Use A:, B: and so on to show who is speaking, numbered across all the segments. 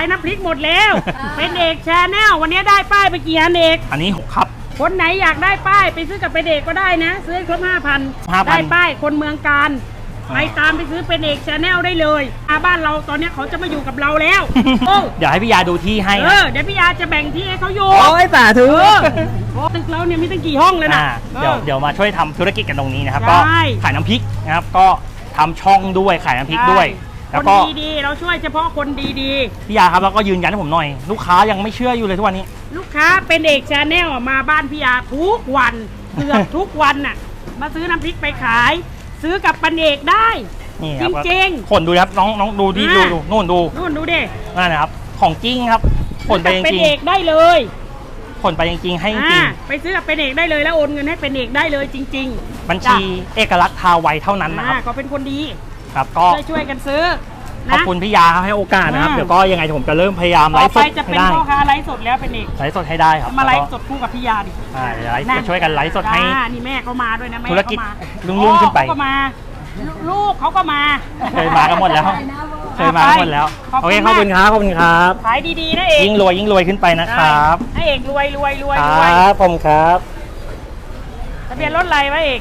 A: ายน้ำพริกหมดแล้วเป็นเอกชาแนลวันนี้ได้ป้ายไปกี่อันเอก
B: อันนี้6ครับ
A: คนไหนอยากได้ป้ายไปซื้อกับเป็นเอกก็ได้นะซื้อครบ 5,000 ได้ป้ายคนเมืองการไปตามไปซื้อเป็นเอกชาแนลได้เลยบ้านเราตอนนี้เขาจะมาอยู่กับเราแล้ว
B: เดี๋ยวให้พี่ยาดูที่ให้
A: เดี๋ยวพี่ยาจะแบ่งที่ให้เขาอยู่
B: โอ้ยสาธุ
A: ตึกเราเนี่ยมีตั้งกี่ห้องเลยนะ
B: เดี๋ยวมาช่วยทำธุรกิจกันตรงนี้นะครับก็ขายน้ำพริกนะครับก็ทำช่องด้วยขายน้ำพริกด้วย
A: แล้วก็คนดีๆเราช่วยเฉพาะคนดี
B: ๆพี่ยาครับแล้วก็ยืนยันให้ผมหน่อยลูกค้ายังไม่เชื่ออยู่เลยทุกวันนี้
A: ลูกค้าเป็นเอกชาแนลมาบ้านพี่ยาทุกวันเกือบทุกวันน่ะมาซื้อน้ำพริกไปขายซื้อกับปันเอกได้จริง
B: ๆคนดูครับน้องดูที่ดูนู่นดู
A: ดิ
B: นั่นนะครับของจริงครับผลไปจริง
A: เป็นเอกได้เลย
B: ผลไปจริงๆให้จริง
A: ไปซื้อกับเป็นเอกได้เลยแล้วโอนเงินให้เป็นเอกได้เลยจริง
B: ๆบัญชีเอกลักษณ์ทาไวเท่านั้นนะครับ
A: เขาเป็นคนดี
B: ครับก็
A: ช่วยกันซื้อ
B: ขอบคุณพี่ยาให้โอกาสนะครับเดี๋ยวก็ยังไงผมจะเริ่มพยายามไลฟ์สด
A: จะเป็นพ่อค้าไลฟ์สดแล้วเป็นเอก
B: ไลฟ์สดให้ได้ครับ
A: มาไลฟ์สดคู่กับพี่ยาดิ
B: ไลฟ์จะช่วยกันไลฟ์สดให้
A: นี่แม่เขามาด้วยนะแม่
B: ธุรกิจรุ่งขึ้นไป
A: ก็มาลูกเขาก็มา
B: เคยมากันหมดแล้วโอเคขอบคุณครับ
A: ขายดีๆนะเอก
B: ยิ่งรวยขึ้นไปนะครับ
A: ให้เอกรวย
B: ครับผมครับ
A: ทะเบียนรถอะไรวะเอก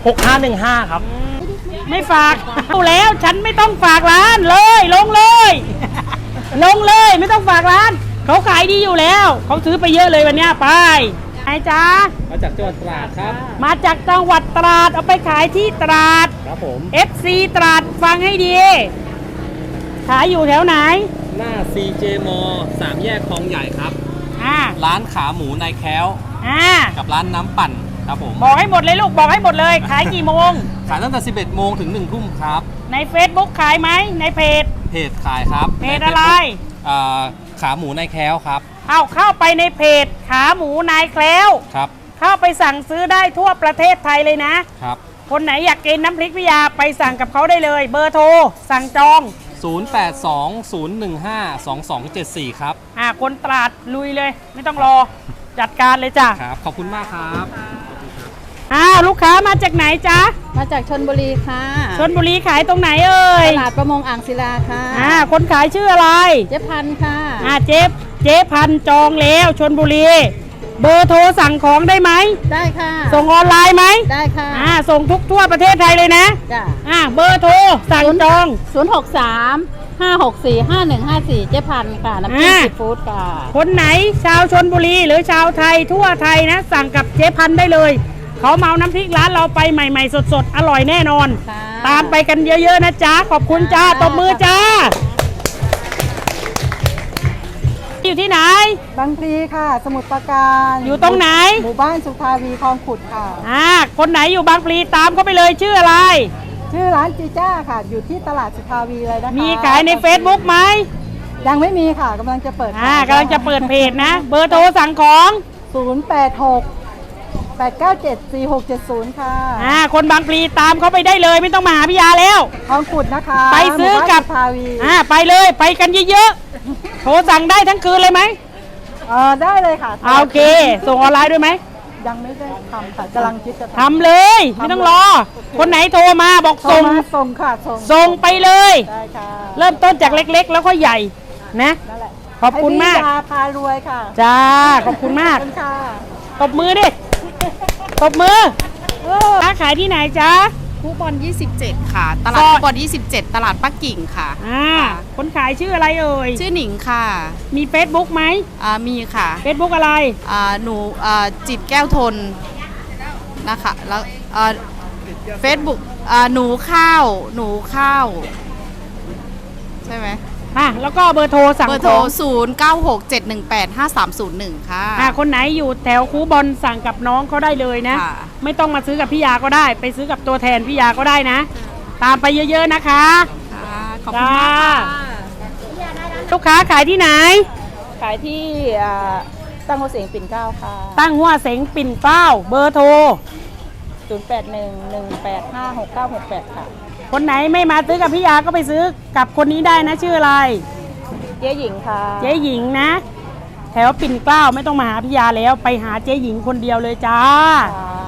B: 6515ครับ
A: ไม่ฝากเอาแล้วฉันไม่ต้องฝากร้านเลยลงเลยไม่ต้องฝากร้านเขาขายดีอยู่แล้วเขาซื้อไปเยอะเลยวันนี้ไปไอ้จ้า
B: มาจากจังหวัดตราดครับ
A: มาจากจังหวัดตราดเอาไปขายที่ตราด
B: ครับผม
A: FC ตราดฟังให้ดีขายอยู่แถวไหน
C: หน้า CJ ม3 แยกคลองใหญ่ครับร้านขาหมูนายแค้วกับร้านน้ำปั่นครับผม
A: บอกให้หมดเลยลูกบอกให้หมดเลยขายกี่โมง
C: ขายตั้งแต่ 11 โมงถึง 1 ทุ่มครับ
A: ใน Facebook ขายไหมในเพจ
C: ขายครับ
A: เพจอะไร
C: ขาหมูนายแค้วครับ
A: เข้าไปในเพจขาหมูนายแคล้ว
C: ครับ
A: เข้าไปสั่งซื้อได้ทั่วประเทศไทยเลยนะครับคนไหนอยากกินน้ำพริกพิยาไปสั่งกับเขาได้เลยเบอร์โทรสั่งจอง
C: 0820152274ครับ
A: คนตราดลุยเลยไม่ต้องรอจัดการเลยจ้ะ
C: ครับขอบคุณมากครับ
A: ลูกค้ามาจากไหนจ๊ะ
D: มาจากชลบุรีค่ะ
A: ชลบุรีขายตรงไหนเอ่ย
D: ตลาดประมงอ่างศิลาค่ะ
A: คนขายชื่ออะไร
D: เจ๊พันค่ะ
A: เจ๊พันจองแล้วชลบุรีเบอร์โทรสั่งของได้ไหม
D: ได้ค่ะ
A: ส่งออนไลน์ไหม
D: ได้ค่ะ
A: ส่งทั่วประเทศไทยเลยนะ
D: จ้ะ
A: เบอร์โทรสั่งจอง
D: 063-564-5154เจ๊พันค่ะน้ำจิ้มซีฟู้ดค่ะ
A: คนไหนชาวชลบุรีหรือชาวไทยทั่วไทยนะสั่งกับเจ๊พันได้เลยเขาเมาน้ำพริกร้านเราไปใหม่ๆสดๆอร่อยแน่นอนตามไปกันเยอะๆนะจ๊ะขอบคุณจ้าตบมือจ้าอยู่ที่ไหน
D: บางพลีค่ะสมุทรปราการ
A: อยู่ตรงไหน
D: หมู่บ้านสุทาวีคลองขุดค่ะ
A: คนไหนอยู่บางพลีตามเขาไปเลยชื่ออะไร
D: ชื่อร้านจีจ้าค่ะอยู่ที่ตลาดสุทาวีเลยนะคะ
A: มีขายใน Facebook ไหม
D: ยังไม่มีค่ะกำลังจะเปิด
A: กำลังจะเปิดเพจนะเบอร์โทรสั่งของ
D: 086-897-4670ค่ะ
A: คนบางพลีตามเขาไปได้เลยไม่ต้องมาหาพี่ยาแล้ว
D: คลองขุดนะคะ
A: ไปซื้อกับไปเลยไปกันเยอะๆโทรสั่งได้ทั้งคืนเลยไหม
D: ได้เลยค่ะ
A: โอเคส่งออนไลน์ด้วยไหม
D: ยังไม่ได้ทำค่ะกำลังคิดจะ
A: ทำเลยไม่ต้องรอคนไหนโทรมาบอก
D: ส่งค่ะ
A: ส่งไปเลย
D: ได้ค่ะ
A: เริ่มต้นจากเล็กๆแล้วก็ใหญ่นะขอบคุณมาก
D: พารวยค่ะ
A: จ้าขอบคุณมากตบมือดิตบมือค้าขายที่ไหนจ๊ะ
E: คูบอล27ค่ะตลาดคูบอล27ตลาดปักกิ่งค่ะ
A: คนขายชื่ออะไรเอ่ย
E: ชื่อหนิงค่ะ
A: มี Facebook ไหม
E: มีค่ะ
A: Facebook อะไร
E: หนูจิตแก้วทนนะคะแล้วFacebook หนูข้าวใช่ไหม
A: แล้วก็เบอร์โทรสั่ง
E: เบอร์โทร0967185301ค่ะ
A: คนไหนอยู่แถวคูบอลสั่งกับน้องเขาได้เลยนะไม่ต้องมาซื้อกับพี่ยาก็ได้ไปซื้อกับตัวแทนพี่ยาก็ได้นะตามไปเยอะๆนะคะ
E: ขอบคุณมากค่ะ
A: ลูกค้าขายที่ไหน
D: ขายที่ตั้งหัวเสงปิ่นเกล้าค่ะ
A: ตั้งหัวเสงปิ่นเกล้าเบอร์โทร
D: 0811856968ค่ะ
A: คนไหนไม่มาซื้อกับพี่ยาก็ไปซื้อกับคนนี้ได้นะชื่ออะไร
D: เจ๊หญิงค่ะ
A: เจ๊หญิงนะแถวปิ่นเกล้าไม่ต้องมาหาพี่ยาแล้วไปหาเจ๊หญิงคนเดียวเลยจ้า